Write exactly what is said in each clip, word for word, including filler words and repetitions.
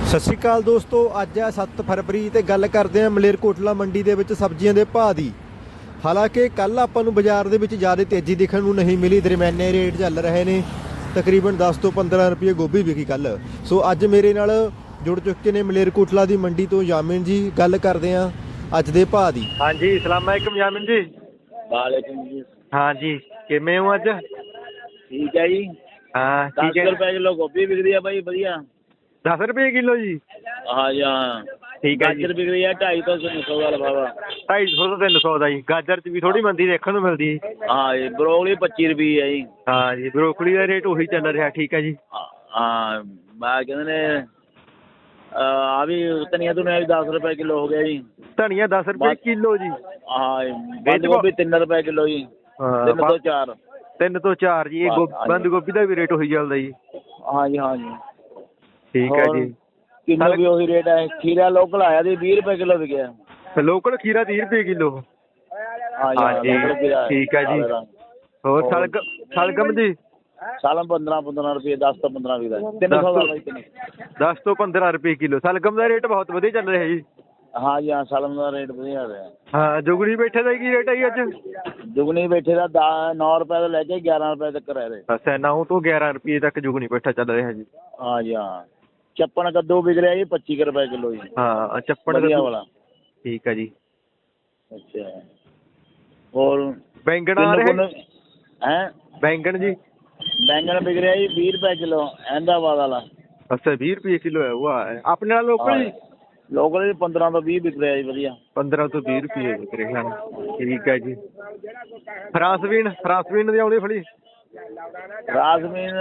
ਸਤਿ ਸ਼੍ਰੀ ਅਕਾਲ ਦੋਸਤੋ, ਅੱਜ ਹੈ ਸੱਤ ਫਰਵਰੀ ਤੇ ਗੱਲ ਕਰਦੇ ਹਾਂ ਮਲੇਰਕੋਟਲਾ ਮੰਡੀ ਦੇ ਵਿੱਚ ਸਬਜ਼ੀਆਂ ਦੇ ਭਾਅ ਦੀ। ਹਾਲਾਂਕਿ ਕੱਲ ਆਪਾਂ ਨੂੰ ਬਾਜ਼ਾਰ ਦੇ ਵਿੱਚ ਜ਼ਿਆਦਾ ਤੇਜ਼ੀ ਦੇਖਣ ਨੂੰ ਨਹੀਂ ਮਿਲੀ, ਦਰਮਿਆਨੇ ਰੇਟ ਚੱਲ ਰਹੇ ਨੇ। ਤਕਰੀਬਨ ਦਸ ਤੋਂ ਪੰਦਰਾਂ ਰੁਪਏ ਗੋਭੀ ਵਿਕੀ ਕੱਲ। ਸੋ ਅੱਜ ਮੇਰੇ ਨਾਲ ਜੁੜ ਚੁੱਕੇ ਨੇ ਮਲੇਰਕੋਟਲਾ ਦੀ ਮੰਡੀ ਤੋਂ ਯਾਮਿਨ ਜੀ। ਗੱਲ ਕਰਦੇ ਹਾਂ ਅੱਜ ਦੇ ਭਾਅ ਦੀ। ਹਾਂਜੀ, ਸਲਾਮ ਅਲੈਕੁਮ ਯਾਮਿਨ ਜੀ। ਵਾਲੇਕੁਮ ਜੀ। ਹਾਂਜੀ, ਕਿਵੇਂ ਹੋ ਅੱਜ? ਠੀਕ ਹੈ ਜੀ। ਹਾਂ, ਠੀਕ ਹੈ। ਦਸ ਰੁਪਏ ਕਿਲੋ ਗੋਭੀ ਵਿਕਦੀ ਆ ਬਾਈ, ਵਧੀਆ। ਦਸ ਰੁਪਏ ਕਿਲੋ ਜੀ? ਹਾਂ ਜੀ ਹਾਂ। ਠੀਕ ਹੈ ਜੀ। ਗਾਜਰ ਵਿਕਦੀ ਆ ਢਾਈ ਤੋਂ ਤਿੰਨ ਸੌ ਦਾ ਲਿਫਾਫਾ। ਢਾਈ ਸੌ ਤੋਂ ਤਿੰਨ ਸੌ ਦਾ ਜੀ। ਗਾਜਰ 'ਚ ਵੀ ਥੋੜ੍ਹੀ ਮੰਦੀ ਦੇਖਣ ਨੂੰ ਮਿਲਦੀ ਹੈ। ਹਾਂ ਜੀ, ਬਰੋਕਲੀ ਪੱਚੀ ਰੁਪਏ ਹੈ ਜੀ। ਹਾਂ ਜੀ, ਬਰੋਕਲੀ ਦਾ ਰੇਟ ਉਹੀ ਚੱਲ ਰਿਹਾ। ਠੀਕ ਹੈ ਜੀ। ਹਾਂ, ਮੈਂ ਕਹਿੰਦੇ ਨੇ ਆ ਵੀ ਧਨੀਆ ਧੁਨੀਆ ਵੀ ਦਸ ਰੁਪਏ ਕਿਲੋ ਹੋ ਗਿਆ ਜੀ। ਧਨੀਆ ਦਸ ਰੁਪਏ ਕਿਲੋ ਜੀ? ਹਾਂ ਜੀ। ਬੰਦ ਗੋਭੀ ਤਿੰਨ ਰੁਪਏ ਕਿਲੋ ਜੀ। ਤਿੰਨ ਤੋਂ ਚਾਰ। ਤਿੰਨ ਤੋਂ ਚਾਰ ਜੀ। ਇਹ ਬੰਦ ਗੋਭੀ ਦਾ ਵੀ ਰੇਟ ਉਹੀ ਚੱਲਦਾ ਜੀ? ਹਾਂ ਜੀ ਹਾਂ ਜੀ। ਠੀਕ ਹੈ ਜੀ। ਕਿਲੋ ਵੀ ਉਹੀ ਰੇਟ ਹੈ। ਖੀਰਾ ਲੋਕਲ ਆਇਆ ਜੀ, ਵੀਹ ਰੁਪਏ ਕਿਲੋ ਵਿਕਿਆ। ਲੋਕਲ ਖੀਰਾ ਤੀਹ ਰੁਪਏ ਕਿਲੋ? ਹਾਂ ਜੀ। ਠੀਕ ਹੈ ਜੀ। ਹੋਰ ਸਲਗਮ ਸਲਗਮ ਜੀ? ਸਾਲਮ ਪੰਦਰਾਂ ਪੰਦਰਾਂ ਰੁਪਏ, ਦਸ ਤੋਂ ਪੰਦਰਾਂ ਵੀ ਦਾ ਤਿੰਨ ਸੌ ਦਾ। ਦਸ ਤੋਂ ਪੰਦਰਾਂ ਰੁਪਏ ਕਿਲੋ। ਸਲਗਮ ਦਾ ਰੇਟ ਬਹੁਤ ਵਧੀਆ ਚੱਲ ਰਿਹਾ ਜੀ। ਹਾਂ ਜੀ ਹਾਂ, ਸਾਲਮ ਦਾ ਰੇਟ ਵਧੀਆ ਰਿਹਾ। ਹਾਂ, ਜੁਗਨੀ ਬੈਠੇ ਦਾ ਕੀ ਰੇਟ ਹੈ ਜੀ ਅੱਜ? ਜੁਗਨੀ ਬੈਠੇ ਦਾ ਦਾ ਨੌ ਰੁਪਏ ਤੋਂ ਲੈ ਕੇ ਗਿਆਰਾਂ ਰੁਪਏ ਤੱਕ ਰਹਿ ਰਹੇ। ਅੱਛਾ, ਨੌ ਤੋਂ ਗਿਆਰਾਂ ਰੁਪਏ ਤੱਕ ਜੁਗਨੀ ਬੈਠਾ ਚੱਲ ਰਿਹਾ ਜੀ। ਹਾਂ ਜੀ ਹਾਂ। ਚੱਪਣ ਕੱਦੂ ਵਿਕ ਰਿਹਾ ਜੀ ਪੱਚੀ ਕੁ ਰੁਪਏ ਕਿਲੋ ਜੀ। ਹਾਂ, ਚੱਪਣ ਕੱਦੂ ਵਾਲਾ। ਠੀਕ ਹੈ ਜੀ। ਅੱਛਾ, ਹੋਰ ਬੈਂਗਣ ਆ ਰਹੇ ਹੈ? ਬੈਂਗਣ ਜੀ? ਬੈਂਗਣ ਵਿਕ ਰਿਹਾ ਜੀ ਵੀਹ ਰੁਪਏ ਕਿਲੋ, ਅਹਿਮਦਾਬਾਦ ਵਾਲਾ। ਅੱਛਾ, ਵੀਹ ਰੁਪਏ ਕਿਲੋ ਹੈ? ਉਹ ਆਪਣੇ ਨਾਲ ਲੋਕਲ ਜੀ? ਲੋਕਲ ਜੀ ਪੰਦਰਾਂ ਤੋਂ ਵੀਹ ਵਿਕ ਰਿਹਾ ਜੀ, ਵਧੀਆ। ਪੰਦਰਾਂ ਤੋਂ ਵੀਹ ਰੁਪਏ ਵਿਕ ਰਿਹਾ। ਠੀਕ ਹੈ ਜੀ। ਫਰਾਂਸਬੀਨ ਫਰਾਂਸਬੀਨ ਦੀ ਆਉਂਦੀ ਫੜੀ? ਰਾਸਮੀਨ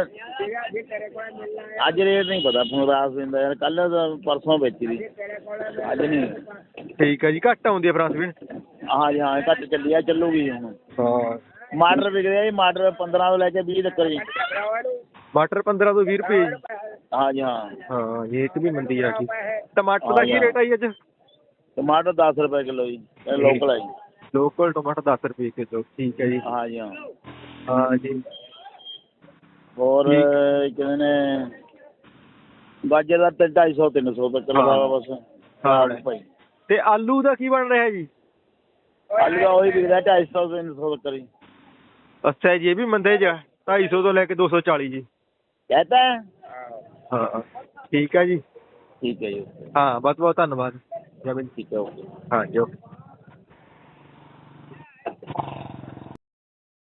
ਅੱਜ ਰੇਟ ਨਹੀਂ ਪਤਾ ਹੁਣ ਰਾਸਮੀਨ ਦਾ, ਯਾਰ ਕੱਲ੍ਹ ਪਰਸੋਂ ਵੇਚੀ ਦੀ, ਅੱਜ ਨਹੀਂ। ਠੀਕ ਹੈ ਜੀ। ਘੱਟ ਆਉਂਦੀ ਹੈ ਫਰਾਂਸਬੀਨ? ਹਾਂ ਜੀ ਹਾਂ, ਘੱਟ ਚੱਲੀ ਆ, ਚੱਲੂਗੀ ਹੁਣ। ਹਾਂ। ਮਟਰ ਵਿਕ ਰਿਹਾ ਜੀ, ਮਟਰ ਪੰਦਰਾਂ ਤੋਂ ਲੈ ਕੇ ਵੀਹ ਤੱਕ ਜੀ। ਮਟਰ ਪੰਦਰਾਂ ਤੋਂ ਵੀਹ ਰੁਪਏ? ਹਾਂ ਜੀ ਹਾਂ। ਹਾਂ, ਰੇਟ ਵੀ ਮੰਦੀ ਆ। ਠੀਕ। ਟਮਾਟਰ ਦਾ ਕੀ ਰੇਟ ਆ ਜੀ ਅੱਜ? ਟਮਾਟਰ ਦਸ ਰੁਪਏ ਕਿਲੋ ਜੀ, ਲੋਕਲ ਹੈ ਜੀ। ਲੋਕਲ ਟਮਾਟਰ ਦਸ ਰੁਪਏ ਕਿਲੋ। ਠੀਕ ਹੈ ਜੀ। ਹਾਂ ਜੀ ਹਾਂ। ਹਾਂ ਜੀ। ਹੋਰ ਕਹਿੰਦੇ ਨੇ ਗਾਜਰ ਦਾ ਤੇ ਢਾਈ ਸੌ ਤਿੰਨ ਸੌ ਤੱਕ ਲਗਾਵਾ ਬਸ। ਹਾਂ ਭਾਈ। ਤੇ ਆਲੂ ਦਾ ਕੀ ਬਣ ਰਿਹਾ ਜੀ? ਆਲੂ ਦਾ ਉਹੀ ਵਿਕਦਾ ਢਾਈ ਸੌ ਤਿੰਨ ਸੌ ਤੱਕ ਜੀ। ਅੱਛਾ ਜੀ, ਇਹ ਵੀ ਮੰਦੇ ਜਾ ਢਾਈ ਸੌ ਤੋਂ ਲੈ ਕੇ ਦੋ ਸੌ ਚਾਲੀ ਜੀ? ਕਹਤਾ ਹੈ। ਹਾਂ, ਠੀਕ ਹੈ ਜੀ। ਠੀਕ ਹੈ ਜੀ। ਹਾਂ, ਬਹੁਤ ਬਹੁਤ ਧੰਨਵਾਦ। ਠੀਕ ਹੈ, ਓਕੇ। ਹਾਂਜੀ, ਓਕੇ।